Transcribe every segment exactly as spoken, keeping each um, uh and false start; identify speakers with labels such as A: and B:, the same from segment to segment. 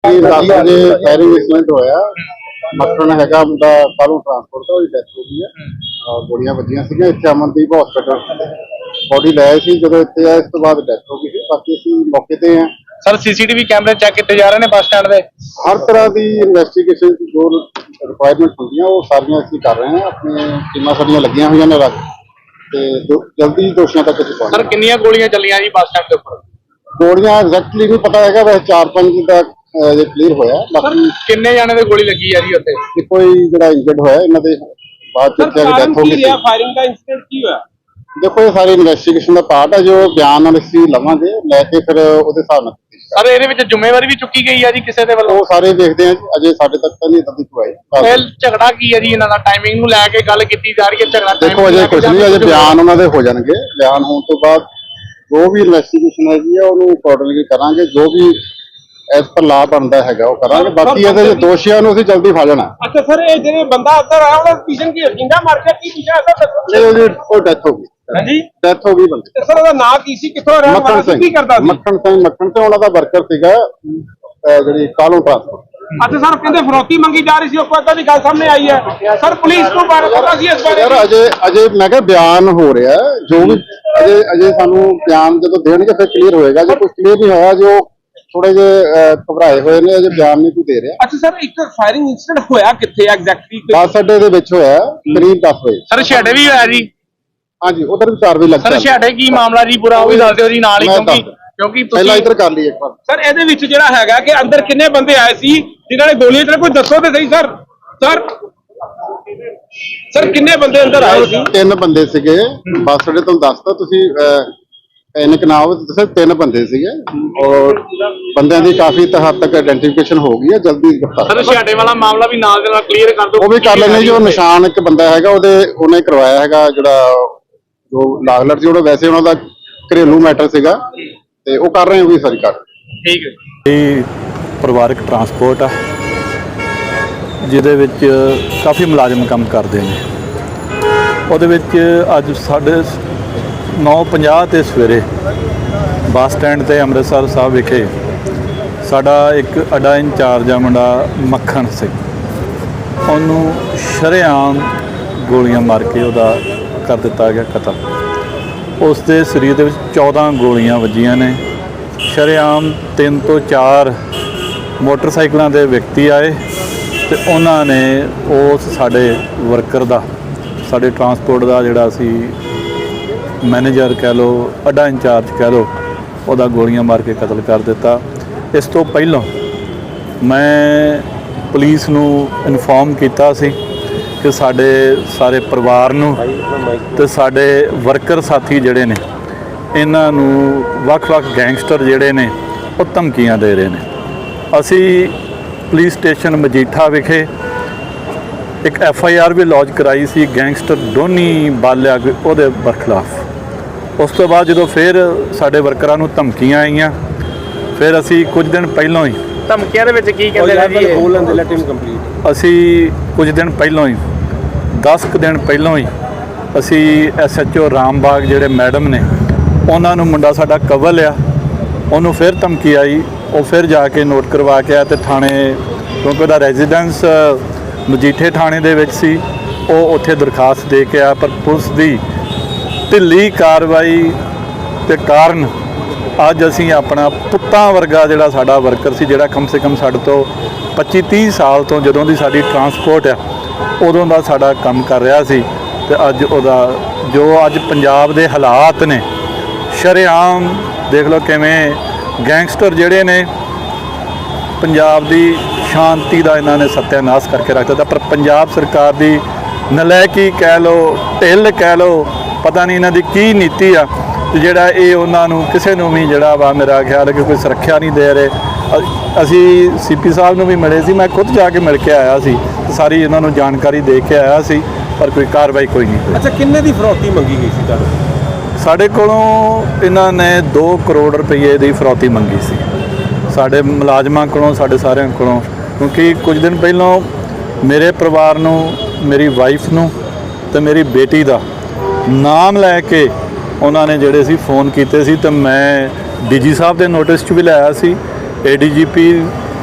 A: दस बजे firing incident होया। मक्खन हैगा मुंडा कालू ट्रांसपोर्ट का, उसकी डेथ हो गई है और गोलियां वजियां सीगियां। इत्थे अमनदीप हॉस्पिटल बॉडी लाए सी, जदों इत्थे आए इस तो बाद डेथ हो गई सी। बाकी असीं मौके ते हैं।
B: सर सीसीटीवी कैमरे चेक किए जा रहे हैं बस स्टैंड पे।
A: हर तरह की इन्वेस्टिगेशन जो रिक्वायरमेंट होंदियां वो सारियां असीं कर रहे हैं। अपनी टीमां सारियां लगियां होईयां ने रख ते जल्दी दोषियों तक असीं पहुंचांगे।
B: सर कितनियां गोलियां चलियां जी बस स्टैंड के उपर?
A: गोलियां एग्जैक्टली नहीं पता है, वैसे चार पांच का जे क्लीयर होया। बाकी
B: किन्ने जाने दे गोली लगी है जी उत्ते?
A: कोई जिहड़ा इंजर्ड होया इन्हां दे बाद च डेथ हो गई।
C: फायरिंग का इंसिडेंट की होया?
A: देखो ये सारी इन्वेस्टिगेशन का पार्ट है, जो बयान असीं लवांगे लैके फिर उहदे हिसाब नाल।
B: सर ਇਹਦੇ ਵਿੱਚ ਜ਼ਿੰਮੇਵਾਰੀ ਵੀ ਚੁੱਕੀ ਗਈ ਹੈ ਜੀ ਕਿਸੇ ਦੇ ਵੱਲੋਂ?
A: ਉਹ ਸਾਰੇ ਦੇਖਦੇ ਆ ਜੀ, ਅਜੇ ਸਾਡੇ ਤੱਕ ਤਾਂ ਨਹੀਂ ਇਦਾਂ ਦੀ ਕੋਈ ਆਈ।
B: ਝਗੜਾ ਕੀ ਹੈ ਜੀ ਇਹਨਾਂ ਦਾ? ਟਾਈਮਿੰਗ ਨੂੰ ਲੈ ਕੇ ਗੱਲ ਕੀਤੀ ਜਾ ਰਹੀ ਹੈ। ਝਗੜਾ
A: ਦੇਖੋ ਅਜੇ ਕੁਝ ਨਹੀਂ, ਅਜੇ ਬਿਆਨ ਉਹਨਾਂ ਦੇ ਹੋ ਜਾਣਗੇ। ਬਿਆਨ ਹੋਣ ਤੋਂ ਬਾਅਦ ਜੋ ਵੀ ਇਨਵੈਸਟੀਗੇਸ਼ਨ ਹੈਗੀ ਆ ਉਹਨੂੰ ਅਕੋਰਡਿੰਗਲੀ ਕਰਾਂਗੇ। ਜੋ ਵੀ ਐਸ ਪਰ ਲਾ ਬਣਦਾ ਹੈਗਾ ਉਹ ਕਰਾਂਗੇ। ਬਾਕੀ ਇਹਦੇ ਦੋਸ਼ੀਆਂ ਨੂੰ ਅਸੀਂ ਜਲਦੀ ਫੜ ਲੈਣਾ।
C: ਅੱਛਾ ਸਰ, ਇਹ ਜਿਹੜੇ ਬੰਦਾ ਅੰਦਰ ਆਇਆ ਉਹਦਾ ਪੀਛੇ ਕੀ ਜਿੰਦਾ ਮਾਰ ਕੇ ਕੀ ਪੀਛਾ
A: ਨਹੀਂ, ਉਹਦੀ ਉਹ ਡੈਥ ਹੋ ਗਈ।
C: ਹਾਂਜੀ,
A: ਡੈਥ ਹੋ ਗਈ ਬੰਦੇ।
C: ਸਰ ਉਹਦਾ ਨਾਂ ਕੀ ਸੀ, ਕਿੱਥੋਂ ਰਹਿਣ ਵਾਲਾ ਸੀ, ਕੀ ਕਰਦਾ ਸੀ?
A: ਮੱਖਣ ਸਿੰਘ ਮੱਖਣ ਤੇ ਉਹਨਾਂ ਦਾ ਵਰਕਰ ਸੀਗਾ ਜਿਹੜੀ ਕਾਲੂ ਟਰਾਂਸਪੋਰਟ।
C: ਅੱਛਾ ਸਰ, ਕਹਿੰਦੇ ਫਰੋਤੀ ਮੰਗੀ ਜਾ ਰਹੀ ਸੀ, ਉਹ ਕੋਈ ਦੀ ਗੱਲ ਸਾਹਮਣੇ ਆਈ ਹੈ। ਸਰ ਪੁਲਿਸ ਨੂੰ ਬਾਰੇ ਪਤਾ ਸੀ ਇਸ ਬਾਰੇ?
A: ਯਾਰ ਅਜੇ ਅਜੇ ਮੈਂ ਕਿਹਾ ਬਿਆਨ ਹੋ ਰਿਹਾ, ਜੋ ਵੀ ਅਜੇ ਅਜੇ ਸਾਨੂੰ ਬਿਆਨ ਜਦੋਂ ਦੇਣਗੇ ਫਿਰ ਕਲੀਅਰ ਹੋਏਗਾ। ਜੇ ਕੁਝ ਕਲੀਅਰ ਨਹੀਂ ਹੋਇਆ, ਜੋ ਥੋੜੇ ਜਿਹੇ ਘਬਰਾਏ ਹੋਏ ਨੇ, ਅਜੇ ਬਿਆਨ ਨਹੀਂ ਕੋਈ ਦੇ ਰਿਹਾ।
C: ਅੱਛਾ ਸਰ, ਇੱਕ ਫਾਇਰਿੰਗ ਇੰਸੀਡੈਂਟ ਹੋਇਆ ਕਿੱਥੇ ਐਗਜ਼ੈਕਟਲੀ?
A: ਬੱਸ ਅੱਡੇ ਦੇ ਵਿੱਚ ਹੋਇਆ ਕਰੀਬ ਦਸ ਵਜੇ।
B: ਸਰ ਛੇੜੇ ਵੀ ਹੋਇਆ ਜੀ?
A: ਹਾਂਜੀ, ਉਧਰ ਵੀ ਚਾਰ ਵਜੇ ਲੱਗ
B: ਸਰ ਛੇੜੇ ਕੀ ਮਾਮਲਾ ਜੀ ਪੂਰਾ ਉਹ ਵੀ ਦੱਸ ਦਿਓ ਜੀ ਨਾਲ ਹੀ, ਕਿਉਂਕਿ ਕਿਉਂਕਿ
A: ਪਹਿਲਾਂ ਇੱਧਰ ਕਰ ਲਈ ਇੱਕ ਵਾਰ।
C: ਸਰ ਇਹਦੇ ਵਿੱਚ ਜਿਹੜਾ ਹੈਗਾ ਕਿ ਅੰਦਰ ਕਿੰਨੇ ਬੰਦੇ ਆਏ ਸੀ ਜਿਨ੍ਹਾਂ ਨੇ ਗੋਲੀਆਂ ਚਲਾਈ, ਕੋਈ ਦੱਸੋ ਤੇ ਸਹੀ ਸਰ। ਸਰ ਸਰ ਕਿੰਨੇ ਬੰਦੇ ਅੰਦਰ ਆਏ ਸੀ?
A: ਤਿੰਨ ਬੰਦੇ ਸੀਗੇ ਬੱਸ ਅੱਡੇ ਤੋਂ। ਦੱਸਦਾ ਤੁਸੀਂ ਇਨਕ ਨਾਮ ਦੱਸਿਆ, ਤਿੰਨ ਬੰਦੇ ਸੀਗੇ ਔਰ ਬੰਦਿਆਂ ਦੀ ਕਾਫੀ ਹੱਦ ਤੱਕ ਆਇਡੈਂਟੀਫਿਕੇਸ਼ਨ ਹੋ ਗਈ ਹੈ। ਜਲਦੀ ਗ੍ਰਿਫਤਾਰ।
B: ਸਰ ਛੇੜੇ ਵਾਲਾ ਮਾਮਲਾ ਵੀ ਨਾਲ ਦੇ ਨਾਲ ਕਲੀਅਰ ਕਰ ਦਿਓ।
A: ਉਹ ਵੀ ਕਰ ਲੈਣੇ। ਜੋ ਨਿਸ਼ਾਨ ਇੱਕ ਬੰਦਾ ਹੈਗਾ ਉਹਦੇ ਉਹਨੇ ਕਰਵਾਇਆ ਹੈਗਾ, ਜਿਹੜਾ ਜੋ ਲਾਗਲਰ ਸੀ, ਉਹਦਾ ਵੈਸੇ ਉਹਨਾਂ ਦਾ ਘਰੇਲੂ ਮੈਟਰ ਸੀਗਾ ਤੇ ਉਹ ਕਰ ਰਹੇ ਹੋ ਵੀ ਸਾਰੀ ਕਰ।
B: ਠੀਕ ਹੈ।
D: ਇਹ ਪਰਿਵਾਰਕ ਟਰਾਂਸਪੋਰਟ ਆ ਜਿਹਦੇ ਵਿੱਚ ਕਾਫੀ ਮੁਲਾਜ਼ਮ ਕੰਮ ਕਰਦੇ ਨੇ। ਉਹਦੇ ਵਿੱਚ ਅੱਜ ਸਾਡੇ ਨੌ ਪੰਜਾਹ ਤੇ ਸਵੇਰੇ ਬੱਸ ਸਟੈਂਡ ਤੇ ਅੰਮ੍ਰਿਤਸਰ ਸਾਹਿਬ ਵਿਖੇ ਸਾਡਾ ਇੱਕ ਅੱਡਾ ਇੰਚਾਰਜ ਆ ਮੁੰਡਾ ਮੱਖਣ ਸਿੰਘ, ਉਹਨੂੰ ਸ਼ਰੇਆਮ ਗੋਲੀਆਂ ਮਾਰ ਕੇ ਉਹਦਾ ਕਰ ਦਿੱਤਾ ਗਿਆ ਕਤਲ। ਉਸ ਦੇ ਸਰੀਰ ਦੇ ਵਿੱਚ ਚੌਦਾਂ ਗੋਲੀਆਂ ਵੱਜੀਆਂ ਨੇ ਸ਼ਰੇਆਮ। ਤਿੰਨ ਤੋਂ ਚਾਰ ਮੋਟਰਸਾਈਕਲਾਂ ਦੇ ਵਿਅਕਤੀ ਆਏ ਤੇ ਉਹਨਾਂ ਨੇ ਉਸ ਸਾਡੇ ਵਰਕਰ ਦਾ, ਸਾਡੇ ਟਰਾਂਸਪੋਰਟ ਦਾ ਜਿਹੜਾ ਸੀ ਮੈਨੇਜਰ ਕਹਿ ਲਓ, ਅੱਡਾ ਇੰਚਾਰਜ ਕਹਿ ਲਓ, ਉਹਦਾ ਗੋਲੀਆਂ ਮਾਰ ਕੇ ਕਤਲ ਕਰ ਦਿੱਤਾ। ਇਸ ਤੋਂ ਪਹਿਲਾਂ ਮੈਂ ਪੁਲਿਸ ਨੂੰ ਇਨਫੋਰਮ ਕੀਤਾ ਸੀ ਕਿ ਸਾਡੇ ਸਾਰੇ ਪਰਿਵਾਰ ਨੂੰ ਤੇ ਸਾਡੇ ਵਰਕਰ ਸਾਥੀ ਜਿਹੜੇ ਨੇ ਇਹਨਾਂ ਨੂੰ ਵੱਖ-ਵੱਖ ਗੈਂਗਸਟਰ ਜਿਹੜੇ ਨੇ ਉਹ ਧਮਕੀਆਂ ਦੇ ਰਹੇ ਨੇ। ਅਸੀਂ ਪੁਲਿਸ ਸਟੇਸ਼ਨ ਮਜੀਠਾ ਵਿਖੇ ਇੱਕ ਐਫ ਆਈ ਆਰ ਵੀ ਲੌਂਚ ਕਰਾਈ ਸੀ ਗੈਂਗਸਟਰ ਡੋਨੀ ਬਾਲਿਆ ਉਹਦੇ ਬਰਖਲਾਫ। ਉਸ ਤੋਂ ਬਾਅਦ ਜਦੋਂ ਫਿਰ ਸਾਡੇ ਵਰਕਰਾਂ ਨੂੰ ਧਮਕੀਆਂ ਆਈਆਂ, ਫਿਰ ਅਸੀਂ ਕੁਝ ਦਿਨ ਪਹਿਲਾਂ ਹੀ
B: ਧਮਕੀਆਂ ਦੇ ਵਿੱਚ ਕੀ ਕਹਿੰਦੇ ਨੇ ਜੀ?
D: ਅਸੀਂ ਕੁਝ ਦਿਨ ਪਹਿਲਾਂ ਹੀ ਦਸ ਕੁ ਦਿਨ ਪਹਿਲਾਂ ਹੀ ਅਸੀਂ ਐਸ ਐਚ ਓ ਰਾਮਬਾਗ ਜਿਹੜੇ ਮੈਡਮ ਨੇ ਉਹਨਾਂ ਨੂੰ, ਮੁੰਡਾ ਸਾਡਾ ਕਵਲ ਆ, ਉਹਨੂੰ ਫਿਰ ਧਮਕੀ ਆਈ। ਉਹ ਫਿਰ ਜਾ ਕੇ ਨੋਟ ਕਰਵਾ ਕੇ ਆਇਆ ਤੇ ਥਾਣੇ, ਕਿਉਂਕਿ ਉਹਦਾ ਰੈਜ਼ੀਡੈਂਸ ਮਜੀਠੇ ਥਾਣੇ ਦੇ ਵਿੱਚ ਸੀ, ਉਹ ਉੱਥੇ ਦਰਖਾਸਤ ਦੇ ਕੇ ਆਇਆ। ਪਰ ਪੁਲਿਸ ਦੀ ਢਿੱਲੀ ਕਾਰਵਾਈ ਦੇ ਕਾਰਨ ਅੱਜ ਅਸੀਂ ਆਪਣਾ ਪੁੱਤਾਂ ਵਰਗਾ ਜਿਹੜਾ ਸਾਡਾ ਵਰਕਰ ਸੀ, ਜਿਹੜਾ ਕਮ ਸੇ ਕਮ ਸਾਡੇ ਤੋਂ ਪੱਚੀ ਤੀਹ ਸਾਲ ਤੋਂ ਜਦੋਂ ਦੀ ਸਾਡੀ ਟਰਾਂਸਪੋਰਟ ਆ ਉਦੋਂ ਦਾ ਸਾਡਾ ਕੰਮ ਕਰ ਰਿਹਾ ਸੀ, ਤੇ ਅੱਜ ਉਹਦਾ ਜੋ ਅੱਜ ਪੰਜਾਬ ਦੇ ਹਾਲਾਤ ਨੇ, ਸ਼ਰੇਆਮ ਦੇਖ ਲਓ ਕਿਵੇਂ ਗੈਂਗਸਟਰ ਜਿਹੜੇ ਨੇ ਪੰਜਾਬ ਦੀ ਸ਼ਾਂਤੀ ਦਾ ਇਹਨਾਂ ਨੇ ਸੱਤਿਆਨਾਸ਼ ਕਰਕੇ ਰੱਖ ਦਿੱਤਾ। ਪਰ ਪੰਜਾਬ ਸਰਕਾਰ ਦੀ ਨਲਾਇਕੀ ਕਹਿ ਲਓ, ਢਿੱਲ ਕਹਿ ਲਓ, ਪਤਾ ਨਹੀਂ ਇਹਨਾਂ ਦੀ ਕੀ ਨੀਤੀ ਆ, ਜਿਹੜਾ ਇਹ ਉਹਨਾਂ ਨੂੰ ਕਿਸੇ ਨੂੰ ਵੀ ਜਿਹੜਾ ਵਾ ਮੇਰਾ ਖਿਆਲ ਹੈ ਕਿ ਕੋਈ ਸੁਰੱਖਿਆ ਨਹੀਂ ਦੇ ਰਹੇ। ਅਸੀਂ ਸੀ ਪੀ ਸਾਹਿਬ ਨੂੰ ਵੀ ਮਿਲੇ ਸੀ, ਮੈਂ ਖੁਦ ਜਾ ਕੇ ਮਿਲ ਕੇ ਆਇਆ ਸੀ, ਸਾਰੀ ਇਹਨਾਂ ਨੂੰ ਜਾਣਕਾਰੀ ਦੇ ਕੇ ਆਇਆ ਸੀ, ਪਰ ਕੋਈ ਕਾਰਵਾਈ ਕੋਈ ਨਹੀਂ ਹੋਈ।
C: ਅੱਛਾ, ਕਿੰਨੇ ਦੀ ਫਰੋਤੀ ਮੰਗੀ ਗਈ ਸੀ ਤੁਹਾਨੂੰ?
D: ਸਾਡੇ ਕੋਲੋਂ ਇਹਨਾਂ ਨੇ ਦੋ ਕਰੋੜ ਰੁਪਏ ਦੀ ਫਰੌਤੀ ਮੰਗੀ ਸੀ ਸਾਡੇ ਮੁਲਾਜ਼ਮਾਂ ਕੋਲੋਂ, ਸਾਡੇ ਸਾਰਿਆਂ ਕੋਲੋਂ। ਕਿਉਂਕਿ ਕੁਝ ਦਿਨ ਪਹਿਲਾਂ ਮੇਰੇ ਪਰਿਵਾਰ ਨੂੰ, ਮੇਰੀ ਵਾਈਫ ਨੂੰ ਤੇ ਮੇਰੀ ਬੇਟੀ ਦਾ ਨਾਮ ਲੈ ਕੇ ਉਹਨਾਂ ਨੇ ਜਿਹੜੇ ਸੀ ਫੋਨ ਕੀਤੇ ਸੀ, ਤੇ ਮੈਂ ਡੀ ਜੀ ਸਾਹਿਬ ਦੇ ਨੋਟਿਸ 'ਚ ਵੀ ਲਾਇਆ ਸੀ, ਏ ਡੀ ਜੀ ਪੀ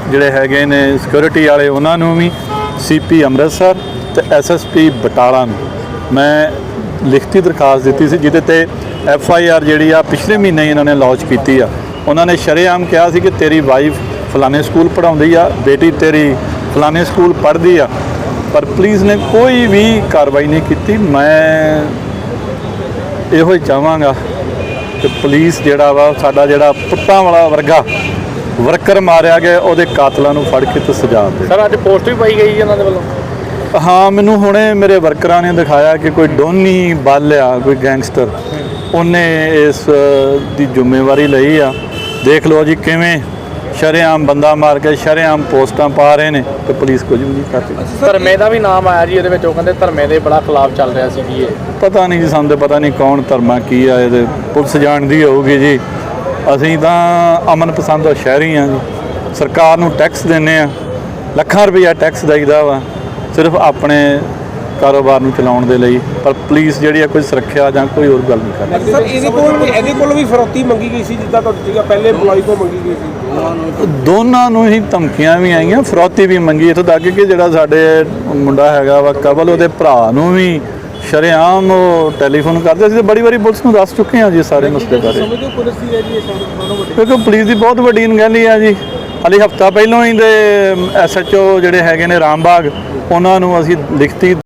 D: ਜਿਹੜੇ ਹੈਗੇ ਨੇ ਸਿਕਿਉਰਿਟੀ ਵਾਲੇ ਉਹਨਾਂ ਨੂੰ ਵੀ, ਸੀਪੀ ਅੰਮ੍ਰਿਤਸਰ ਤੇ ਐਸਐਸਪੀ ਬਟਾਲਾ ਨੂੰ ਮੈਂ ਲਿਖਤੀ ਦਰਖਾਸਤ ਦਿੱਤੀ ਸੀ, ਜਿਹਦੇ ਤੇ ਐਫ ਆਈ ਆਰ ਜਿਹੜੀ ਆ ਪਿਛਲੇ ਮਹੀਨੇ ਹੀ ਇਹਨਾਂ ਨੇ ਲਾਂਚ ਕੀਤੀ ਆ। ਉਹਨਾਂ ਨੇ ਸ਼ਰੇਆਮ ਕਿਹਾ ਸੀ ਕਿ ਤੇਰੀ ਵਾਈਫ ਫਲਾਣੇ ਸਕੂਲ ਪੜ੍ਹਾਉਂਦੀ ਆ, ਬੇਟੀ ਤੇਰੀ ਫਲਾਣੇ ਸਕੂਲ ਪੜ੍ਹਦੀ ਆ, ਪਰ ਪੁਲਿਸ ਨੇ ਕੋਈ ਵੀ ਕਾਰਵਾਈ ਨਹੀਂ ਕੀਤੀ। ਮੈਂ ਇਹੋ ਹੀ ਚਾਹਾਂਗਾ ਕਿ ਪੁਲਿਸ ਜਿਹੜਾ ਵਾ ਸਾਡਾ ਜਿਹੜਾ ਪੁੱਤਾਂ ਵਾਲਾ ਵਰਗਾ ਵਰਕਰ ਮਾਰਿਆ ਗਿਆ, ਉਹਦੇ ਕਾਤਲਾਂ ਨੂੰ ਫੜ ਕੇ ਤੇ ਸਜ਼ਾ ਦੇ।
B: ਸਰ ਅੱਜ ਪੋਸਟ ਵੀ ਪਾਈ ਗਈ ਇਹਨਾਂ ਦੇ ਵੱਲੋਂ।
D: ਹਾਂ, ਮੈਨੂੰ ਹੁਣੇ ਮੇਰੇ ਵਰਕਰਾਂ ਨੇ ਦਿਖਾਇਆ ਕਿ ਕੋਈ ਡੋਨੀ ਬਾਲਿਆ, ਕੋਈ ਗੈਂਗਸਟਰ, ਉਹਨੇ ਇਸ ਦੀ ਜ਼ਿੰਮੇਵਾਰੀ ਲਈ ਆ। ਦੇਖ ਲਓ ਜੀ ਕਿਵੇਂ ਸ਼ਰੇਆਮ ਬੰਦਾ ਮਾਰ ਕੇ ਸ਼ਰੇਆਮ ਪੋਸਟਾਂ ਪਾ ਰਹੇ ਨੇ ਤੇ ਪੁਲਿਸ ਕੁਝ ਵੀ ਨਹੀਂ ਕਰਦੀ।
B: ਧਰਮੇ ਦਾ ਵੀ ਨਾਮ ਆਇਆ ਜੀ ਇਹਦੇ ਵਿੱਚ, ਉਹ ਕਹਿੰਦੇ ਧਰਮੇ ਦੇ ਬੜਾ ਖਿਲਾਫ ਚੱਲ ਰਿਹਾ ਸੀ ਜੀ ਇਹ।
D: ਪਤਾ ਨਹੀਂ ਜੀ, ਸਾਨੂੰ ਤਾਂ ਪਤਾ ਨਹੀਂ ਕੌਣ ਧਰਮਾ ਕੀ ਆ, ਇਹਦੇ ਪੁਲਿਸ ਜਾਣਦੀ ਹੋਊਗੀ ਜੀ। ਅਸੀਂ ਤਾਂ ਅਮਨ ਪਸੰਦ ਸ਼ਹਿਰੀ ਹਾਂ ਜੀ, ਸਰਕਾਰ ਨੂੰ ਟੈਕਸ ਦਿੰਦੇ ਆ, ਲੱਖਾਂ ਰੁਪਈਆ ਟੈਕਸ ਦੇਈਦਾ ਵਾ ਸਿਰਫ ਆਪਣੇ ਕਾਰੋਬਾਰ ਨੂੰ ਚਲਾਉਣ ਦੇ ਲਈ, ਪਰ ਪੁਲਿਸ ਜਿਹੜੀ ਆ ਕੋਈ ਸੁਰੱਖਿਆ ਜਾਂ ਕੋਈ ਹੋਰ ਗੱਲ ਨਹੀਂ ਕਰਦੀ।
C: ਸਰ ਇਹਦੇ ਕੋਲ ਵੀ ਇਹਦੇ ਕੋਲ ਵੀ ਫਰੌਤੀ ਮੰਗੀ ਗਈ ਸੀ, ਜਿੱਦਾਂ ਤੁਹਾਡੀ ਸੀਗਾ ਪਹਿਲੇ EMPLOYE ਕੋਲ ਮੰਗੀ ਗਈ ਸੀ।
D: ਦੋਨਾਂ ਨੂੰ ਹੀ ਧਮਕੀਆਂ ਵੀ ਆਈਆਂ, ਫਰੌਤੀ ਵੀ ਮੰਗੀ। ਇੱਥੋਂ ਤੱਕ ਕਿ ਜਿਹੜਾ ਸਾਡੇ ਮੁੰਡਾ ਹੈਗਾ ਵਾ ਕਬਲ, ਉਹਦੇ ਭਰਾ ਨੂੰ ਵੀ ਸ਼ਰੇਆਮ ਉਹ ਟੈਲੀਫੋਨ ਕਰਦੇ ਸੀ। ਬੜੀ ਵਾਰੀ ਪੁਲਿਸ ਨੂੰ ਦੱਸ ਚੁੱਕੇ ਹਾਂ ਜੀ ਸਾਰੇ ਮਸਲੇ ਬਾਰੇ, ਕਿਉਂਕਿ ਪੁਲਿਸ ਦੀ ਬਹੁਤ ਵੱਡੀ ਅਣਗਹਿਲੀ ਆ ਜੀ। ਹਾਲੇ ਹਫ਼ਤਾ ਪਹਿਲਾਂ ਹੀ ਦੇ ਐਸ ਐਚ ਓ ਜਿਹੜੇ ਹੈਗੇ ਨੇ ਰਾਮਬਾਗ, ਉਹਨਾਂ ਨੂੰ ਅਸੀਂ ਲਿਖਤੀ